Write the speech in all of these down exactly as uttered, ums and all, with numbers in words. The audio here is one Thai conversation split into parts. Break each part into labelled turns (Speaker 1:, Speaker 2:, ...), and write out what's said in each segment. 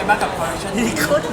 Speaker 1: บ้างกับคอลเลคชันนี้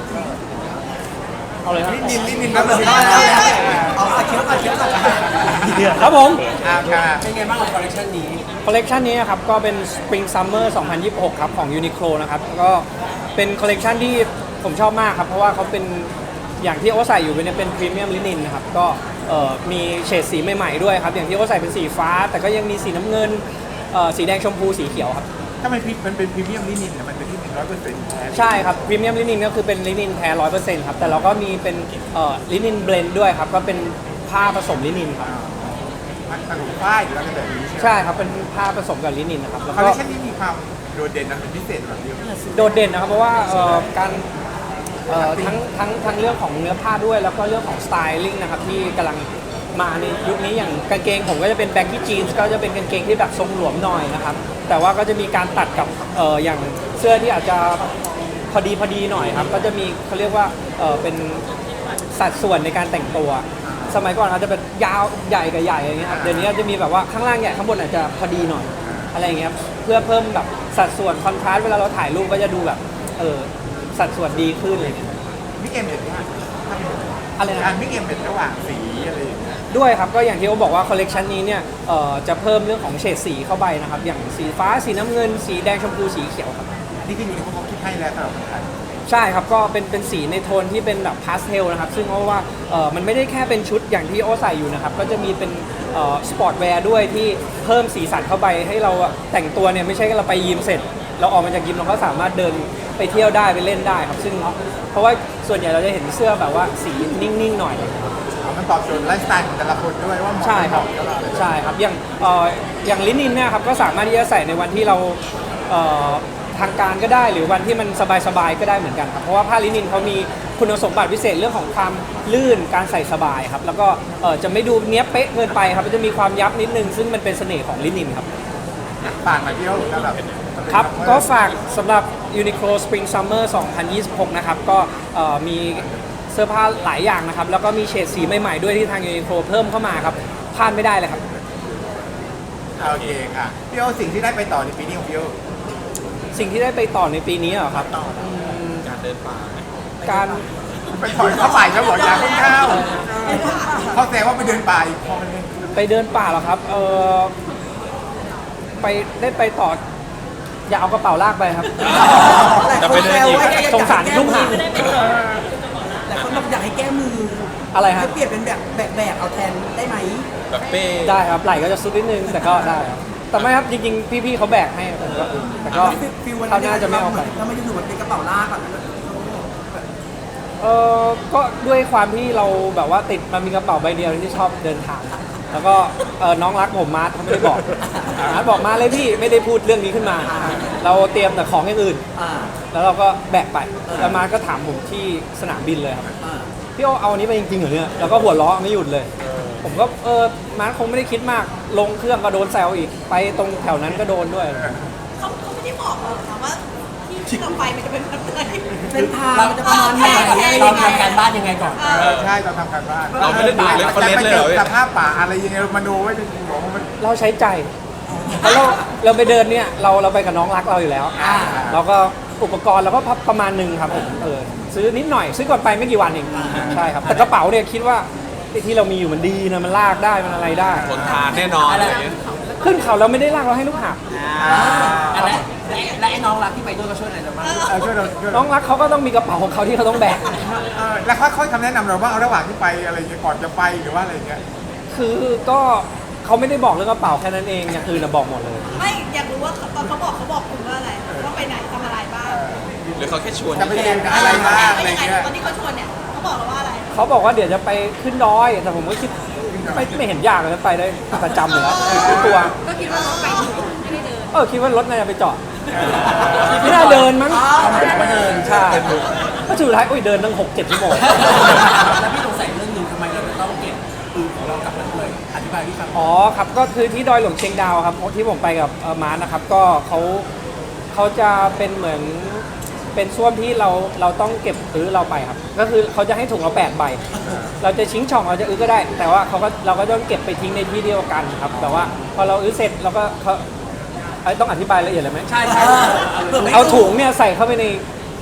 Speaker 2: เอาเลยครับ
Speaker 3: นินนินนินครับนิน
Speaker 1: เอาอาเคียวอาเคียวก่อน
Speaker 2: ครับผม
Speaker 3: อ่าค่ะ
Speaker 1: เป็นไงบ้างกับคอลเลคชันนี้
Speaker 2: คอลเลกชันนี้นะครับก็เป็น Spring Summer สองพันยี่สิบหกครับของ Uniqlo นะครับก็เป็นคอลเลกชันที่ผมชอบมากครับเพราะว่าเขาเป็นอย่างที่โอใส่อยู่เป็นเป็นพรีเมียมลินินนะครับก็เอ่อมีเฉดสีใหม่ๆด้วยครับอย่างที่โอใส่เป็นสีฟ้า แต่ก็ยังมีสีน้ำเงินเอ่อสีแดงชมพูสีเขียวครับ
Speaker 3: ถ้ามันมันเป็นพรีเมียมลินินเนี่ยมันเป็นที่หนึ่งร้อยเปอร์เซ็นต์แท้
Speaker 2: ใช่ครับพรีเมียมลินินก็คือเป็นลินินแท้ร้อยเปอร์เซ็นต์ครับแต่เราก็มีเป็นเอ่อลินินเบลนด์ด้วยครับก็เป็นผ้าผสมลินินครับ
Speaker 3: มันขนมป้ายหรืออะไรแบบนี้ใช่ไหม
Speaker 2: ใช่ครับเป็นผ้าผสมกับลินินนะครับแล้ว
Speaker 3: คอลเล
Speaker 2: ก็
Speaker 3: คชันนี้มีความโดดเด่นนะเป็นพิเศษแบบเดียว
Speaker 2: โดดเด่นนะครับเพราะว่าเอ่อการเอ่อทั้งทั้งทั้งเรื่องของเนื้อผ้าด้วยแล้วก็เรื่องของสไตลิ่งนะครับที่กำลังมาในยุคนี้อย่างกางเกงผมก็จะเป็นแบ็กกี้จีนส์ก็จะเป็นกางเกงที่แบบทรงหลวมหน่อยนะครับแต่ว่าก็จะมีการตัดกับเอ่ออย่างเสื้อที่อาจจะพอดีพอดีหน่อยครับก็จะมีเขาเรียกว่าเอ่อเป็นสัดส่วนในการแต่งตัว สมัยก่อนเขาจะเป็นยาวใหญ่กับใหญ่อย่างเงี้ยครับเดี๋ยวนี้จะมีแบบว่าข้างล่างใหญ่ข้างบนอาจจะพอดีหน่อยอะไรอย่างเงี้ยครับเพื่อเพิ่มแบบสัดส่วนคอนทราสต์เวลาเราถ่ายรูปก็จะดูแบบเออสัดส่วนดีขึ้นอะไรเงี้ย
Speaker 3: มิกเอ็มเห็นว่าถ้าเป็น
Speaker 2: อะไร
Speaker 3: การ
Speaker 2: นะ
Speaker 3: มิกเอ็มเป็นระหว่างสีอะไรอย่างเงี้ย
Speaker 2: ด้วยครับก็อย่างที่เขาบอกว่าคอลเลกชันนี้เนี่ยเอ่อจะเพิ่มเรื่องของเฉดสีเข้าไปนะครับอย่างสีฟ้าสีน้ำเงิน สีแดงชมพูสีเขียวครับ
Speaker 3: นี่ที่อยู่ในพวกเขาคิดให้แล้วสำหรับคนไทย
Speaker 2: ใช่ครับก็เป็นเป็นสีในโทนที่เป็นแบบพาสเทลนะครับซึ่งเพราะว่าเอ่อมันไม่ได้แค่เป็นชุดอย่างที่โอใส่อยู่นะครับก็จะมีเป็นเอ่อสปอร์ตแวร์ด้วยที่เพิ่มสีสันเข้าไปให้เราแต่งตัวเนี่ยไม่ใช่แค่เราไปยิมเสร็จ เราออกมาจากยิมเราก็สามารถเดินไปเที่ยวได้ไปเล่นได้ครับซึ่งเพราะว่าส่วนใหญ่เราจะเห็นเสื้อแบบว่าสีนิ่งๆหน่อย
Speaker 3: มันตอบโจทย์ไลฟ์สไตล์ของแต่ละคนด้วยว่าเหมาะ
Speaker 2: ใช่ครับ
Speaker 3: ไม่เหมาะกับเรา
Speaker 2: ใช่ครับอย่างเอ่ออย่างลินินเนี่ยครับก็สามารถที่จะใส่ในวันที่เราเอ่อทางการก็ได้หรือวันที่มันสบายๆก็ได้เหมือนกันครับเพราะว่าผ้าลินินเขามีคุณสมบัติพิเศษเรื่องของความลื่นการใส่สบายครับแล้วก็เอ่อจะไม่ดูเนี้ยบเป๊ะเกินไปครับมันจะมีความยับนิดนึงซึ่งมันเป็นเสน่ห์ของลินินครับ
Speaker 3: ฝากมาเที่ยวสำหรับ
Speaker 2: ครับก็ฝากสำหรับ Uniqlo Spring Summer สองพันยี่สิบหกนะครับก็เอ่อมีเสื้อผ้าหลายอย่างนะครับแล้วก็มีเฉดสีใหม่ๆด้วยที่ทาง Uniqlo เพิ่มเข้ามาครับพลาดไม่ได้เลยครับ
Speaker 3: โอเคค่ะพี่โอสิ่งที่ได้ไปต่อในปีนี้ของพี่โอ
Speaker 2: สิ่งที่ได้ไปต่อในปีนี้เหรอครับ
Speaker 4: การเดินป่า
Speaker 2: การ
Speaker 3: ไปถอยเข้าไปแล้วบอกอยากขึ้นข้าวเขาแซวว่าไปเดินป่าอีกพอมันเลย
Speaker 2: ไปเดินป่าเหรอครับเออไปได้ไปต่ออย่าเอากระเป๋าลากไปครับ
Speaker 4: จะไปเดินอีก
Speaker 2: สงสารลูกหา
Speaker 1: แต่คนบอกอยากให้แก้มือ
Speaker 2: อะไรฮะ
Speaker 1: ให้เปลี่ยนเป็นแบบแบกแบกเอาแทนได้ไหม
Speaker 4: แบบเป้
Speaker 2: ได้ครับไหล่ก็จะซุดนิดนึงแต่ก็ได้ครับแต่ไม่ครับจริงๆพี่ๆเขาแบกให้ผมก็แต่ก็
Speaker 1: ฟิลวัน
Speaker 2: เขาน่าจะไม่เอาไป
Speaker 1: ถ้าไม่ได้ดูมันเป็นกระเป๋าลากอ่ะ
Speaker 2: เออก็ด้วยความที่เราแบบว่าติดมันมีกระเป๋าใบเดียวที่ชอบเดินทาง แล้วก็เออน้องรักผมมาร์ทเขาไม่ได้บอกมาร์ทบอกมาเลยพี่ไม่ได้พูดเรื่องนี้ขึ้นมา เราเตรียมแต่ของอย่างอื่น
Speaker 1: อ่า
Speaker 2: แล้วเราก็แบกไปแล้วมาร์ทก็ถามผมที่สนามบินเลยครับ
Speaker 1: อ่า
Speaker 2: พี่โอเอาอันนี้ไปจริงๆเหรอเนี่ยแล้วก็หัวเราะไม่หยุดเลย ผมก็เออมาร์ทคงไม่ได้คิดมากลงเครื่องก็โดนแซวอีกไปตรงแถวนั้นก็โดนด้วย
Speaker 5: เขาเขาไม่ได้บอกหรอกค่ะว่าที่ที่เราไปมันจะเป็นแบบไหน
Speaker 1: เส้นทางมันจะประมาณไหนอะไร
Speaker 5: เรา
Speaker 1: ยังไง
Speaker 5: ทำการบ้านยังไงก่อน
Speaker 3: เออใช่เราทำการบ้าน
Speaker 4: เราไม่ได้ดูเรฟเฟอเรนซ์เลยเหรอ
Speaker 3: สภาพป่าอะไรยังไงมาดูไว้ในหัวมัน
Speaker 2: เราใช้ใจเพราะเราเราไปเดินเนี่ยเราเราไปกับน้องรักเราอยู่แล้ว
Speaker 1: อ่า
Speaker 2: เราก็อุปกรณ์เราก็ประมาณหนึ่งครับผมเออซื้อนิดหน่อยซื้อก่อนไปไม่กี่วันเองใช่ครับแต่กระเป๋าเนี่ยคิดว่าไอ้ที่เรามีอยู่มันดีนะมันลากได้มันอะไรได้
Speaker 4: ทนทานแน่นอนอะไรอย่างเงี้ย
Speaker 2: ขึ้นเขาเราไม่ได้ลากเราให้ลูกหาบ
Speaker 1: และและและไอ้น้องรักที่ไปด้วยก็ช่วยอะไรเราบ้าง
Speaker 3: เออช่วยเราช่วย
Speaker 2: น้
Speaker 3: เรา
Speaker 2: องรักเขาก็ต้องมีกระเป๋าของเขาที่เขาต้องแบก
Speaker 3: เออแล้วเขาเขาคำแนะนำเราบ้างเอาระหว่างที่ไปอะไรอย่างเงี้ยก่อนจะไปหรือว่าอะไรอย่างเงี้ย
Speaker 2: คือก็เขาไม่ได้บอกเรื่องกระเป๋าแค่นั้นเองอย่างอื่นนะบอกหมดเลย
Speaker 5: ไม่อยากรู้ว่าตอนเขาบอกเขาบอกคุณว่าอะไรว่าไปไหนทำอะไรบ้าง
Speaker 4: หรือเขาแค่ชวน
Speaker 3: จะไปเรียนกับอะไรบ้างอะไร
Speaker 5: ยังไง
Speaker 3: เงี้ย
Speaker 5: ตอนที่เขาชวนเนี่ยเขาบอกเราว่าอะไร
Speaker 2: เขาบอกว่าเดี๋ยวจะไปขึ้นดอย แต่ผมก็คิดไม่ไม่เห็นยากเลยไปได้ประจำอยู่แล้วทุกตัว
Speaker 5: ก็คิดว่าเขาไปถึงไม่ได้เดิน
Speaker 2: เออคิดว่ารถน่าจะไปจอดไม่น่าเดินมั้ง
Speaker 1: มาเดิน
Speaker 2: ใช่ก็สุดท้ายโอ้ยเดินตั้งหกเจ็ดชั่วโมง
Speaker 1: แล้วพี่สงสัยเรื่องหนึงทำไมเราจะต้องเก็บปืนของเรากลับมาด้วยอธิบายพี่ฟัง
Speaker 2: อ๋อครับก็คือที่ดอยหลวงเชียงดาวครับที่ผมไปกับเอ่อมาร์ทนะครับก็เขาเขาจะเป็นเหมือนเป็นส้วมที่เราเราต้องเก็บอื้อเราไปครับก็คือเขาจะให้ถุงเราแปดใบ เราจะชิงช่องเราจะอื้อก็ได้ แต่ว่าเขาก็เราก็ต้องเก็บไปทิ้งในที่เดียวกันครับแต่ว่าพอเราอื้อเสร็จเราก็เขาเอ้ยต้องอธิบายละเอียดเลยไหม
Speaker 1: ใช่ใช่
Speaker 2: เอาถุงเนี่ยใส่เข้าไปใน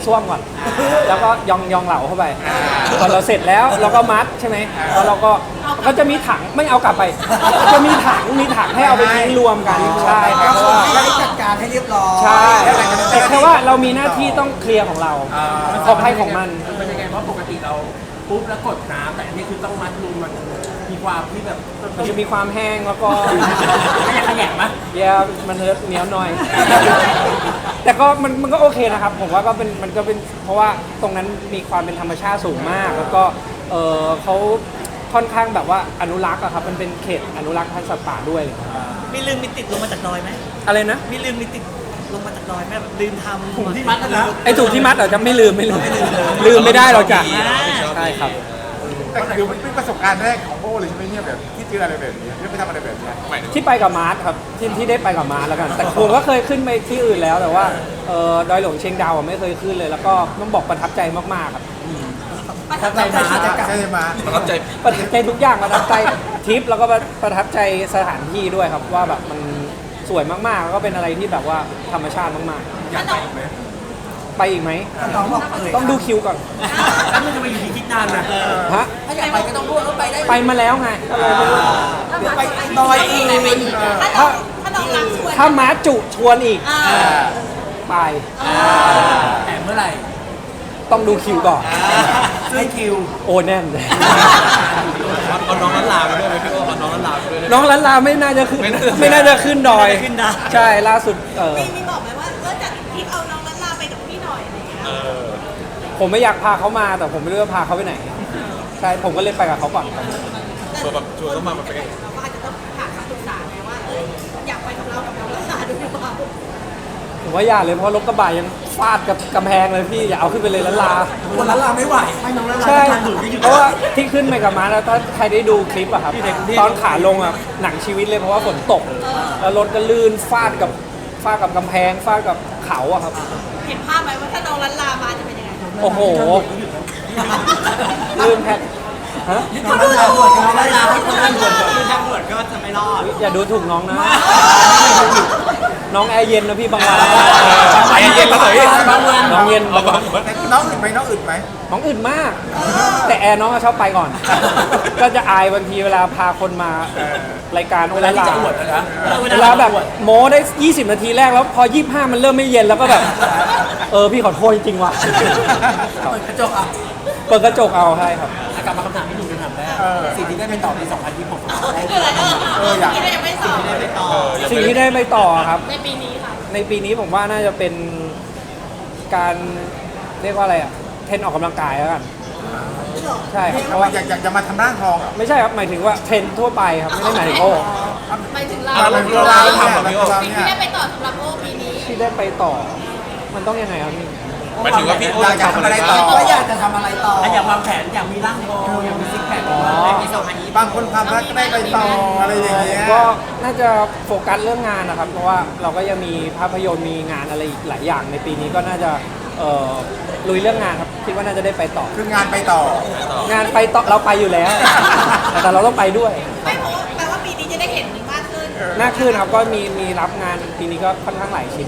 Speaker 2: ส้วมก่อน แล้วก็ยองยองเหลาเข้าไปพอเราเสร็จแล้วเราก็มัดใช่ไหมแล้วเราก็ก็จะมีถังไม่เอากลับไป จะมีถังมีถังให้เอาไปทิ้งรวมกันใช่ครับเพราะว่า
Speaker 1: ไม่ได้จัดการให้เรียบร้อย
Speaker 2: ใช่แต่แค่ว่าเรามีหน้าที่ต้องเคลียร์ของเราของใครของมัน
Speaker 1: มันยังไงเพราะปกติเราปุ๊บแล้วกดน้ำแต่อันนี้คือต้องมัดรูมันมีความที่แบบ
Speaker 2: มันจะมีความแห้งแล้วก็
Speaker 1: ขยะแขยงไหม
Speaker 2: แย่มันเหนียวหน่อย แต่ก็มันมันก็โอเคนะครับ ผมว่าก็เป็นมันก็เป็นเพราะว่าตรงนั้นมีความเป็นธรรมชาติสูงมาก แล้วก็เออเขาค่อนข้างแบบว่าอนุรักษ์อะครับมันเป็นเขตอนุรักษ์พันธุ์สัตว์ป่าด้วย
Speaker 6: มีลืมมีติดลงมาจากดอยไหม
Speaker 2: อะไรนะ
Speaker 6: มีลืมมีติดลงมาจากดอยไหมแบบลืมทำ
Speaker 1: ถุงที่มัดนะ
Speaker 2: ไอ้ถูกที่มัดเราจะไม่ลืมไม่ลืมลืมไม่ได้เราจะ
Speaker 4: ชอบ
Speaker 2: ใช่ครับ
Speaker 3: แต่คือมันเป็นประสบการณ์แรกของโอ้เลยใช่ไหมเนี่ยแบบที่เจออะไรแบบนี้ที่ไปทำอะไรแบบนี้
Speaker 4: หมายถึง
Speaker 2: ที่ไปกับมาร์ทครับที่ที่ได้ไปกับมาร์ทแล้วกัน แต่ผมก็เคยขึ้นไปที่อื่นแล้วแต่ว่าเออดอยหลวงเชียงดาวอะไม่เคยขึ้นเลย แล้วก็ต้องบอกประทับใจมากๆครับ
Speaker 1: ประทับใจมาจะกลับ
Speaker 3: ใช่ไหม
Speaker 4: ประทับใจ
Speaker 2: ประทับใจทุกอย่างประทับใจทริปแล้วก็ประทับใจสถานที่ด้วยครับว่าแบบมันสวยมากๆแล้วก็เป็นอะไรที่แบบว่าธรรมชาติมาก
Speaker 1: อยากไปอีกไหม
Speaker 2: ๆ ไปอีกไหม
Speaker 1: น้องบอกเอ่ย
Speaker 2: ต้องดูคิวก่อน
Speaker 1: แล้วมันจะไปอยู่ที่คิดนานนะ
Speaker 2: ฮะ
Speaker 1: ถ้าอยากไปก็ต้องพูดว่าไปได้
Speaker 2: ไปมาแล้วไงก็เลยไม่รู้
Speaker 1: เดี๋ยวไปดอยอีก
Speaker 5: ถ้าน้องถ้าน้องรักชวน
Speaker 2: ถ้ามาร์ทจุชวนอีก
Speaker 5: อ่า
Speaker 2: ไป
Speaker 1: แต่เมื่อไหร่
Speaker 2: ต้องดูคิวก่อน
Speaker 1: ให้คิว
Speaker 2: โอ้แน่นเลย
Speaker 4: เอาน้องนันลาไปด้วยไหมพี่โอ้เอาน้องนันลาไปด้วยได้ไหม
Speaker 2: น้องลันลาไม่น่าจะขึ้น
Speaker 4: ไม่น่าจะ
Speaker 2: ไม่น่าจะขึ้นดอย
Speaker 6: ขึ้นได้
Speaker 2: ใช่ล่าสุดเออ
Speaker 5: มีมีบอกไหมว่าเออจัดทริปเอาน้องนันลาไปกับพี่หน่อยอะไรอย่างเงี้ย
Speaker 4: เออ
Speaker 2: ผมไม่อยากพาเขามาแต่ผมไม่รู้จะพาเขาไปไหน ใช่ผมก็เลยไปกับเขาก่อนครับ
Speaker 4: ชวนแบบชวนต้องมาแบบไปกัน
Speaker 5: เราก็อาจจะต้องหาคำปรึกษาไงว่าเอออยากไปกับเรากับน้องนันลาด้วยหรือเปล่า
Speaker 2: ผมว่าอย่าเลยเพราะรถกระบะยังฟาดกับกำแพงเลยพี่อย่าเอาขึ้นไปเลยลันลา
Speaker 1: คนละลาไม่ไหวให้น้องละลา
Speaker 2: ใช่
Speaker 1: ทางอื่นก็อยู่
Speaker 2: เพราะว่าที่ขึ้นไปกับมาแล้วถ้าใครได้ดูคลิปอะครับตอนขาลงอะหนังชีวิตเลยเพราะว่าฝนตก แล้วรถก็ลื่นฟาดกับฟาดกับกำแพงฟาดกับเขาอะครับ
Speaker 5: เห็นภาพไหมว่าถ้าน้องนันลามาจะเป็นยังไง
Speaker 2: โอ้โหลื่นแพทฮะ
Speaker 1: น้องละลาบวชน้องละลาให้คนละบวช
Speaker 6: คือทางบวชก็จะไม่รอด
Speaker 2: อย่าดูถูกน้องนะ น้องแอร์เย็นนะพี่บางวัน
Speaker 4: ไปเย็นมาหน่อย
Speaker 1: บางวัน
Speaker 2: น้องเย็น
Speaker 4: เอา
Speaker 2: บาง
Speaker 4: บ้า
Speaker 2: วัน
Speaker 4: ง
Speaker 3: น้องอึดไหมน้องอึดไหม
Speaker 2: น้องอื่นมาก แต่แอร์น้องก็ชอบไปก่อน ก็จะอายบางทีเวลาพาคนมารายการ
Speaker 1: เว
Speaker 2: เว
Speaker 1: ลา
Speaker 2: ลา
Speaker 1: ที่
Speaker 2: ลา
Speaker 1: จะอวดนะ
Speaker 2: เวลาแบบโม้ได้ ยี่สิบ นาทีแรกแล้วพอ ยี่สิบห้า มันเริ่มไม่เย็นแล้วก็แบบ เออพี่ขอโทษจริงๆว่ะ
Speaker 1: เปิดกระจกอ่ะ
Speaker 2: เปิดกระจกเอาใช่ครับ
Speaker 1: กลับมาคำถามที่หนูจะถามแรกสิ่งที่ได้ไปต่อในสองพันยี่สิบหก
Speaker 5: คืออะไรเออที่เรายังไม่สอบ
Speaker 2: สิ่งที่ได้ไปต่อครับ
Speaker 5: ในปีนี้ค่ะ
Speaker 2: ในปีนี้ผมว่าน่าจะเป็นการเรียกว่าอะไรอะเทรนออกกำลังกายแล้วกัน ใช่ครับเพราะว่า
Speaker 3: อยากอยากจะมาทำร่างทองอ่ะ
Speaker 2: ไม่ใช่ครับหมายถึงว่าเทรนทั่วไปครับไม่ได้หมายถึงโอ้
Speaker 5: หมายถึงเรา
Speaker 3: เราเราเราเนี่ยเรา
Speaker 5: สิ่ง
Speaker 3: เนี่ย
Speaker 5: ที่ได้ไปต่อสำหรับโอ้ปีนี้
Speaker 2: ที่ได้ไปต่อ มันต้องยังไงครับนี่
Speaker 4: หมายถึงว่าพี่โอ้
Speaker 3: อยาก
Speaker 4: จะ
Speaker 3: จะ
Speaker 4: ทำ
Speaker 3: ทำ
Speaker 4: อะ
Speaker 3: อะไร ไร
Speaker 4: ต่
Speaker 3: ต่
Speaker 4: อ
Speaker 3: อ
Speaker 1: ก็อยากจะทำอะไรต่ออยากวางแผนอยากมีร่างทองอยากมีซิกแพค
Speaker 2: อ๋อ
Speaker 1: ในสองพันยี่สิบ
Speaker 3: บางคนความรักก็ได้ไปต่ออะไรอย่างเงี้ย
Speaker 2: ก็น่าจะโฟกัสเรื่องงานนะครับ เพราะว่าเราก็ยังมีภาพยนตร์มีงานอะไรอีกหลายอย่างในปีนี้ก็น่าจะเอ่อลุยเรื่องงานครับคิดว่าน่าจะได้ไปต่อ
Speaker 3: คืองานไปต่อ
Speaker 2: งานไปต่อเราไปอยู่แล้ว แต่เราต้องไปด้วย
Speaker 5: ไม่เพราะว่าแปลว่าปีนี้จะได้เห็นมากขึ้น
Speaker 2: หน้าขึ้นครับก็มีมีรับงานปีนี้ก็ค่อนข้างหลายชิ้น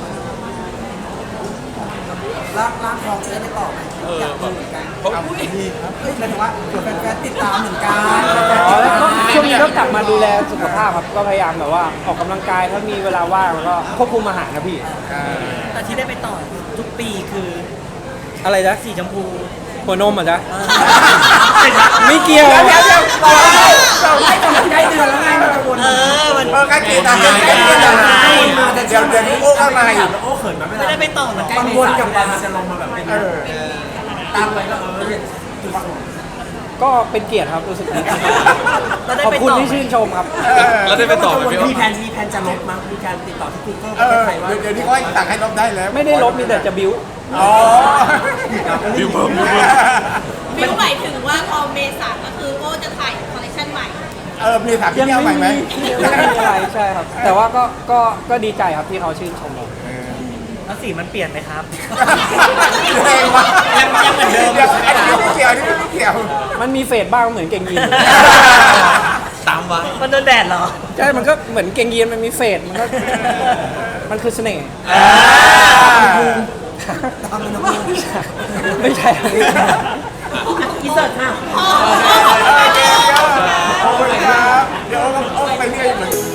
Speaker 1: ร่างร่างทองจะได้ไปต่อไหม
Speaker 4: เออ
Speaker 1: อยากดูเหมือนกัน
Speaker 4: เพราะ
Speaker 3: นี่ครับ
Speaker 1: เฮ้ยหมายถึงว่าเผื่อแฟนๆติดตามเหมือนกัน
Speaker 2: อ๋อแล้วก็ช่วงนี้ก็กลับมาดูแลสุขภาพครับก็พยายามแบบว่าออกกำลังกายถ้ามีเวลาว่างแล้วก็ควบคุมอาหารนะพี่
Speaker 6: แต่ที่ได้ไปต่อทุกปีคือ
Speaker 2: อะไรนะ
Speaker 6: สีชมพู
Speaker 2: หัวนมอ่ะจ๊ะไม่เกี่ยว
Speaker 1: เดี๋ยวเดี๋ยวเดี๋ยวเราให้กำลังใจเดือนแล้วไงมันกังวล
Speaker 6: เออ มัน
Speaker 3: เออใกล้เคียงกันใกล้เคียงกันเดี๋ยวเดี๋ยวนี้โอ้เข้ามาอีก
Speaker 1: โอ้เขินมาไม่
Speaker 6: ไม่ได้ไปต่อเหมือนกัน
Speaker 1: กังวลกับการจะลงมาแบบเป็น
Speaker 3: เออ
Speaker 1: ตามไปก็เออจุดประสงค์
Speaker 2: ก็เป็นเกียรติครับรู้สึกดี
Speaker 6: เราได้
Speaker 2: ขอบ
Speaker 6: ไป
Speaker 2: คุณ
Speaker 6: ต่อ
Speaker 2: ที่ชื่นชมครับ
Speaker 4: แล้วได้ไปต่อไหมพี่โอ้
Speaker 1: มีแผนมีแผนจะลบมั้งมีการติดต่อที่กูเกิล
Speaker 3: เอ
Speaker 1: ประเท
Speaker 3: อ
Speaker 1: ศไทยว่า
Speaker 3: เดี๋ยวนี้เขาให้สั่งให้ลบได้แล้ว
Speaker 2: ไม่ได้ลบมีแต่จะบิ้ว
Speaker 3: อ๋อ
Speaker 4: บิวเพิ่มบิวเพิ่ม
Speaker 5: บิวหมายถึงว่าพอเมษาก็คือโอ้จะถ่ายคอลเลคชันใหม่
Speaker 3: เออมีถามพี่
Speaker 2: ยัง
Speaker 3: เที่ยวใหม่
Speaker 2: ไม่
Speaker 3: ไหม
Speaker 2: มียังไม่มีอะไรใช่ครับ แต่ว่าก็ก็ก็ดีใจครับที่เขาชื่นชมเรา
Speaker 6: แล้วสีมันเปลี่ยนไหมครับ
Speaker 3: แรงว่ะ
Speaker 6: ยังยังเหมือนเดิม
Speaker 3: ดี๋ยวอันนี้ไม่เกี่ยวอันนี้ไม่เกี่ยว
Speaker 2: มันมีเฟดบ้างเหมือนเกงยีน
Speaker 4: ตามไว้
Speaker 6: มันโดนแดดเหรอ
Speaker 2: ใช่ มันก็เหมือนเกงยีนมันมีเฟดมันก็มันคือเสน่ห์
Speaker 1: ตามมันนะ
Speaker 2: ไม่ใช่ครับ
Speaker 6: อินเสิร์ตค่ะ
Speaker 3: โอเคเดี๋ยวโอ้ยครับเดี๋ยวโอ้ก็โอ้ก็ไปเรื่อยเหมือน